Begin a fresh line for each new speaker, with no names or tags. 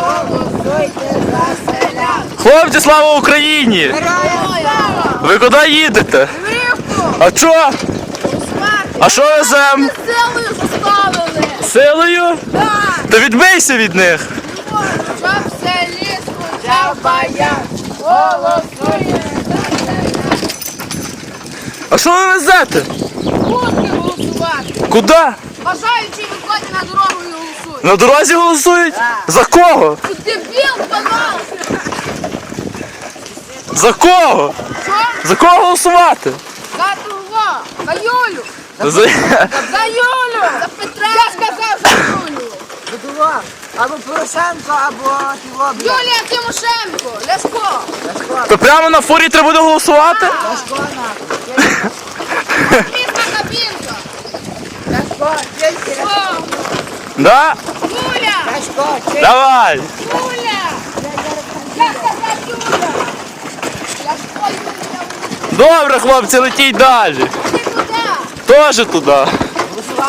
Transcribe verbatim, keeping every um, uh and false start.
Голосуйте за селян.
Хлопці, слава Україні!
Героям слава.
Ви куди їдете?
Гривку.
А чо? А що везем?
Силою заставили.
Силою?
Так.
Та відбийся від них.
Щоб в селі скучав баян. Голосуйте за селян.
А що ви везете?
Будьте голосувати.
Куди?
Бажаючи виходять на дорогу і голосують.
На дорозі голосують? За кого?
Ти дебіл, пожалуйста.
За кого?
Що?
За кого голосувати?
За того. За Юлю.
За...
За Юлю. За Петра. Я сказав за Юлю.
Будував. Або Порошенко, або Тіво.
Юлія Тимошенко. Ляшко.
То прямо на фурі треба буде голосувати?
Ляшко на.
Місна кабінка.
Ляшко, тільки
О,
Да?
Юля.
Ляшко, тільки.
Давай.
Юля. Я сказав Юля. Ляшко, Юля.
Добре, хлопці, летіть далі.
Ти куди?
Тоже туди.